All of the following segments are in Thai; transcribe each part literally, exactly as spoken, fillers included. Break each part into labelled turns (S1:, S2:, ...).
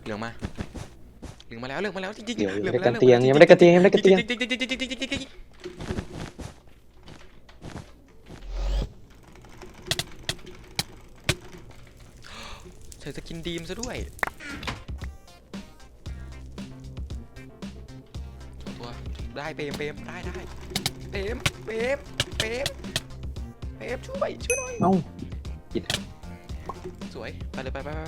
S1: เหลืองมาเหลืองมาแล้วเหลืองมาแล้วจริงๆ
S2: เดี๋ยว
S1: เหลื
S2: ยั
S1: อง
S2: ไม่
S1: มา
S2: ได้
S1: แล้ว
S2: กันเตียงยังไม่ได้กันเตียงยังไม่ได้กันเตียง
S1: ใส่สกินดีมซะด้วยตัวได้เปมเปมได้ได้เปมเปมเปมเปมช่วยช่วยหน่อย
S2: เอ้าผิด
S1: สวยไปเลยไปไปไป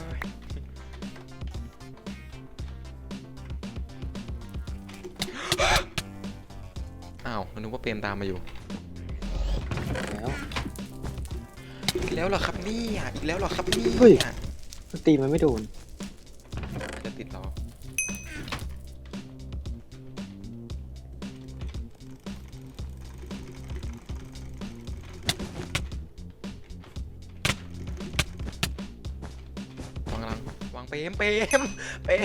S1: อ้าวนึกว่าเปมตามมาอยู่
S2: แล้ว
S1: อีกแล้วเหรอครับนี่อ่ะอีกแล้วเหรอครับนี่
S2: เฮ้ย
S1: อ่ะ
S2: ตีมันไม่โดน
S1: อาจจะติดเราวางกำลังวางเปมเปมเปม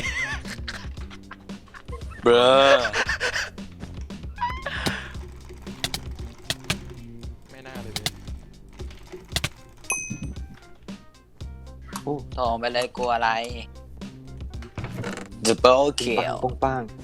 S3: เบรอ
S1: ไม่น่าเลย
S2: โอ้
S3: โถงไปเลยกลัวอะไร Double
S2: ปัง
S3: kill
S2: ปงปัง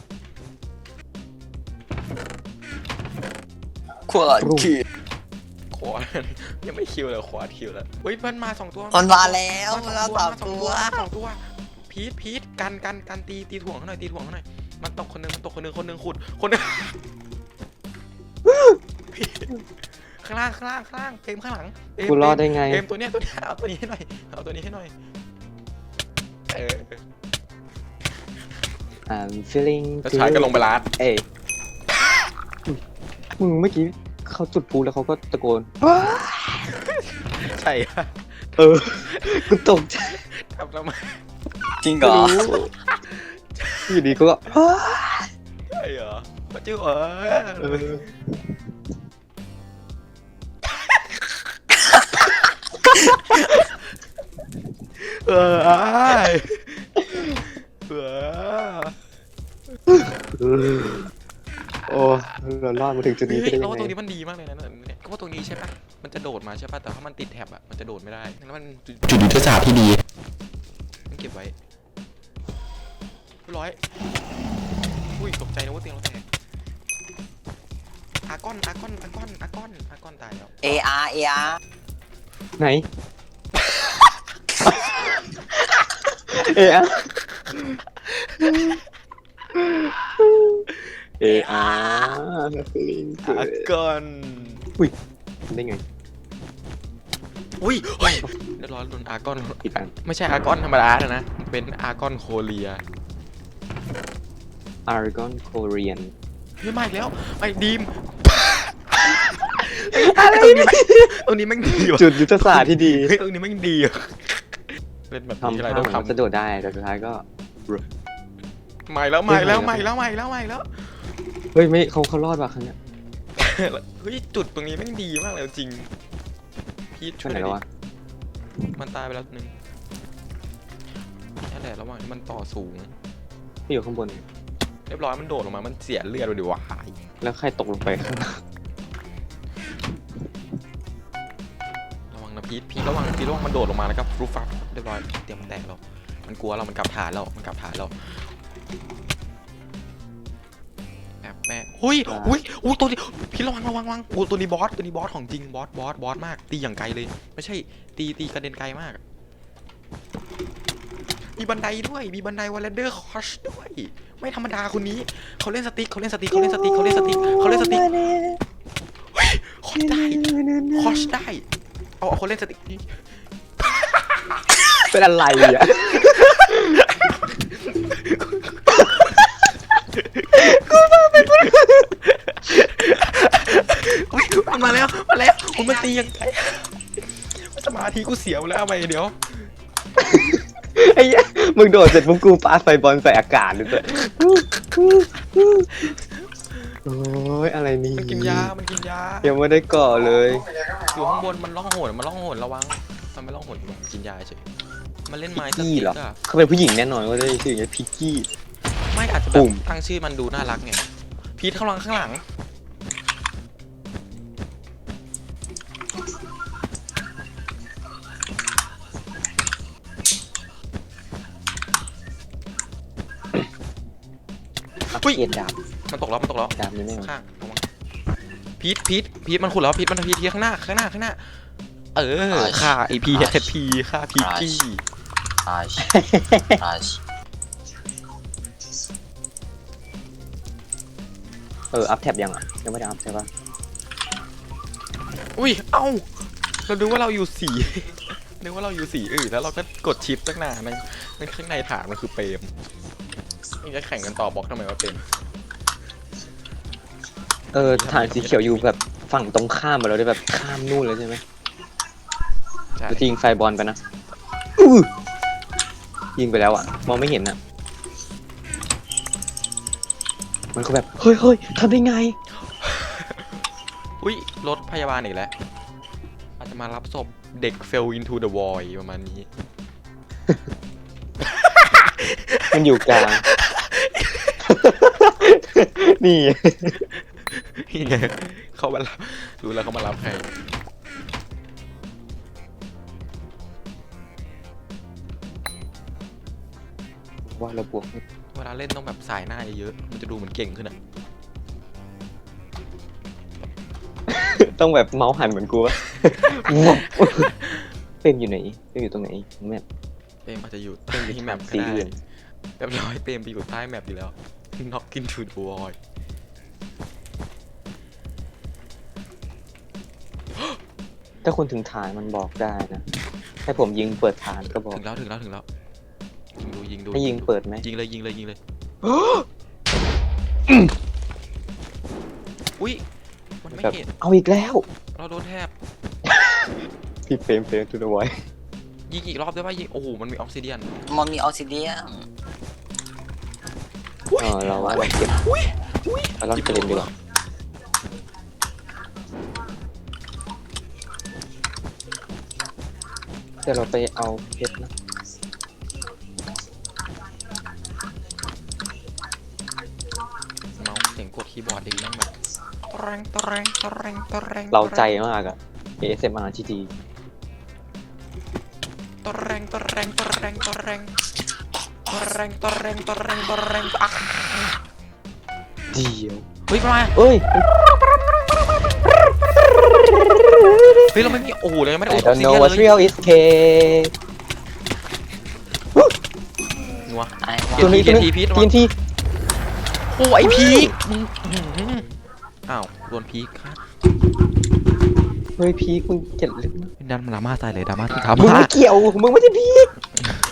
S3: ขวดคิว
S1: ขวายังไม่คิวเลยขวาคิวแล้วเฮ้ยมันมาสองตัว
S3: มันมาแล้วมันมาสองตัว
S1: มาสองตัวพีทพีทกันกันกันตีตีถ่วงเขาหน่อยตีถ่วงเขาหน่อยมันตกคนนึงมันตกคนนึงคนนึงขุดคนนึง ข้างล่างข้างล่างข้างล่างเต็มข้างหลังเต็ม
S2: กูรอดได้ไง
S1: เต็มตัวเนี้ยตัวเนี้ยเอาตัวนี้ให้หน่อยเอาตัวนี้ให้หน่อยเออ
S2: I'm feeling
S1: แล้วชายก็ลงไปลาด
S2: เอ้ยมึงเมื่อกี้เขาจุดพลุแล้วเขาก็ตะโกน
S1: ใช่อะ
S2: เออ กูตกใจ
S1: ทำทำไม
S3: จริงเหรอ
S2: อยู่ดีก็
S1: ใช่เหรอมาจิ้วเอ
S2: เอ
S1: อ
S2: อ
S1: เออไอ้เออ
S2: เออโอ้เรารอดมาถึงจุดนี้
S1: เฮ้
S2: ได้
S1: ย
S2: ยั
S1: เรา
S2: ง
S1: ว่า
S2: ไง
S1: ตรงนี้มันดีมากเลยนะเนี่ยก็ว่าตรงนี้ใช่ปะมันจะโดดมาใช่ปะแต่ถ้ามันติดแท็บอะมันจะโดดไม่ได้แล้วมันจุดยุทธศาสตร์ที่ดีมันเก็บไว้เรียบร้อยอุ้ยตกใจนะว่าเตียงเราแตกอากอนอากอนอากอนอากอนอากอนตายแล้ว
S3: เอ อาร์ เอ อาร์
S2: ไหน เอะเออาร์ฟีลิง
S1: อากอน
S2: ได้ไง
S1: อุ้ยเฮ้ยเรียบร้อยโดนอากอน
S2: อีกอัน
S1: ไม่ใช่อากอนธรรมดานะนะเป็นอากอนโคเรีย
S2: อารกอนโคเรียน
S1: เฮ้ยมาอีกแล้วไอ้ดีมอะไรตรงนี้แม่งดีว่ะ
S2: จุดยุทธศาสตร์ที่ดี
S1: เฮ้ยตรงนี้แม่งดีอ่ะเป็นแบบนี้
S2: ทำ
S1: อะไร
S2: ท่า
S1: ต้อง
S2: เหมือน
S1: ท
S2: ว่าจะโดดได้แต่สุดท้ายก็
S1: ำใหม่แล้วใหม่แล้วใหม่แล้วใหม่แล้วใหม่แล้ว
S2: เฮ้ยไม่เขาเขารอดว่ะครั้งเนี้ย
S1: เฮ้ยจุดตรงนี้แม่งดีมากเลยจริงพีทช่
S2: ไป
S1: วย
S2: ไห
S1: ห
S2: น
S1: น่อยว
S2: แล้ะ
S1: ดิมันตายไปแล้วหนึ่งนั่นแหละระหว่างที่มันต่อสูง
S2: ที่อยู่ข้างบน
S1: เรียบร้อยมันโดดลงมามันเสียเลือดไปดิวะ
S2: แล้วใครตกลงไปข้างล่าง
S1: ระวังนะพีทพีทระวังพีทระวังมันโดดลงมาแล้วก็ฟลุ๊ฟับเรียบร้อยเตรียมมันแตกแล้วมันกลัวเรามันกลับฐานแล้วมันกลับฐานแล้วแอบแม่หุ้ยหุ้ยอุ้ยตัวนี้พี่ระวังระวังระวังโอ้ตัวนี้บอสตัวนี้บอสของจริงบอสบอสบอสมากตีอย่างไกลเลยไม่ใช่ตีตีกระเด็นไกลมากมีบันไดด้วยมีบันไดวอลเลนเดอร์คอชด้วยไม่ธรรมดาคนนี้เขาเล่นสติ๊กเขาเล่นสติ๊กเขาเล่นสติ๊กเขาเล่นสติ๊กเขาเล่นสติ๊กเฮ้ยคอชได้คอชได้เอาเอาคนเล่นสติ๊กนี่
S2: เป็นอะไรอ่ะ
S1: อุ๊ยมันมาแล้วมาแล้วคุณมาตียังไงสมาธิกูเสียหมดแล้วทำไมเดี๋ยว
S2: ไอ้เหี้ยมึงโดดเสร็จปุ๊บกูปาไฟบอลใส่อากาศเลยเว้ยโอ้ยอะไรนี่
S1: มันกินยา มันกินยา
S2: ยังไม่ได้ก่อเลย
S1: อยู่ข้างบนมันล่องหนมันล่องหนระวังมันไม่ล่องหนมันกินยาเฉยมันเล่นไม้ส
S2: กี้
S1: ติ๊
S2: เหรอก
S1: อะ
S2: เขาเป็นผู้หญิงแน่นอนว่าได้ชื่ออย่างเงี้ยพิกกี้
S1: ไม่อาจจะแบ
S2: ปุ่
S1: บ
S2: ม
S1: ตั้งชื่อมันดูน่ารักไงพีทข้างหลังข้างหลังอุ้ย
S2: เกลียดดาบ
S1: มันตกแล้วมันตกแล้ว
S2: ดาบนี่ไม่เอา
S1: ข้างระวังพีทพีทพีทมันขุดแล้วพีทมันพีทที่ข้างหน้าข้างหน้าข้างหน้า เออฆ่าไอพีเอสพีฆ่าพีจี้
S3: อาชอาช
S2: เอออัพแท็บยังอ่ะยังไม่ได้อัพใช่ปะ
S1: อุ้ยเอ้าเราดูว่าเราอยู่สี นึกว่าเราอยู่สีอื่นแล้วเราก็กดชิปตั้งนานนั่นข้างในฐานมันคือเปรมนี่จะแข่งกันต่อบล็อกทำไมว่าเปรม
S2: เออฐานสีเขียวอยู่แบบฝั่งตรงข้ามมาแล้วได้แบบข้ามนู่นเลยใช่ไหม
S1: ใช่
S2: จะยิงไฟบอลไปนะอื้อยิงไปแล้วอ่ะมองไม่เห็นอ่ะมันก็แบบเฮ้ยเฮ้ยทำได้ไง
S1: อุ้ยรถพยาบาลอีกแล้วอาจจะมารับศพเด็ก fell into the void ประมาณนี้
S2: มันอยู่กลาง นี่
S1: นี่ไงเขามารับรู้แล้วเขามารับใคร
S2: ว่าเราบวก
S1: เวลาเล่นต้องแบบสายหน้าเยอะๆมันจะดูเหมือนเก่งขึ้นอ่ะ
S2: ต้องแบบเมาส์หันเหมือนกูวะ เป็นอยู่ไหนเป็นอยู่ตรงไหนแมป
S1: เปรมอาจจะอยู่
S2: เปรมอยู่
S1: ที่แมปก็
S2: สี
S1: ได้
S2: อื่น
S1: เรียบร้อยเปรมไปอยู่ใต้แมปอยู่แล้ว knock into the void
S2: ถ้าคุณถึงฐานมันบอกได้นะให้ผมยิงเปิดฐานก็บอก
S1: ถึงแล้วถึงแล้วถึงแล้วยิงดูยิงดู
S2: ให้ยิงเปิดไหม
S1: ยิงเลยยิงเลยยิงเลยอุ้ยมันไม่
S2: แบบ
S1: เห็น
S2: เอาอีกแล้ว
S1: เราโดนแทบ
S2: พี่เฟรมเฟรมทูเดอะไว
S1: ยิงอีกรอบได้ป่ะยิงโอ้โหมันมีออกซิเดียน
S3: มันมีออกซิเดียน
S2: อ๋อเราว่าเราเก็บเราลองเล่นดีกว่าเดี๋ยวเราไปเอาเพชรนะ
S1: เมาส์เสียงกดคีย์บอร์ดดินั่งแบบตะแรงตะแรงตะแรงตะแรง
S2: เราใจมากอะ เอ เอส เอ็ม อาร์ ที่ดี
S1: ตะแรงตะแรงตะแรงตะแรงตะแรงตะแรงตะแรงตะแรงอ่ะ
S2: เดียว
S1: เฮ้ยมา
S2: เอ้ย
S1: เฮ้ยเราไม่มีโอ้โหเรายังไม่ได้
S2: I
S1: อุดออก
S2: don't
S1: ซิ
S2: know
S1: เดียน
S2: what's
S1: เลย
S2: real is cake
S1: นัว
S3: ไอ้
S2: ตัวนี้ตัวนี้
S1: พีท
S2: ทีนที
S1: โอ้ไอพีคมึงอื้อหืออ้าวโดนพีคค่ะ
S2: เฮ้ยพีคมึงเกลียดลึกมาก
S1: ดันมาดราม่าตายเลยดราม่าที่
S2: มึง
S1: ทำ
S2: ไม่เกี่ยว มึงไม่ใช่พีค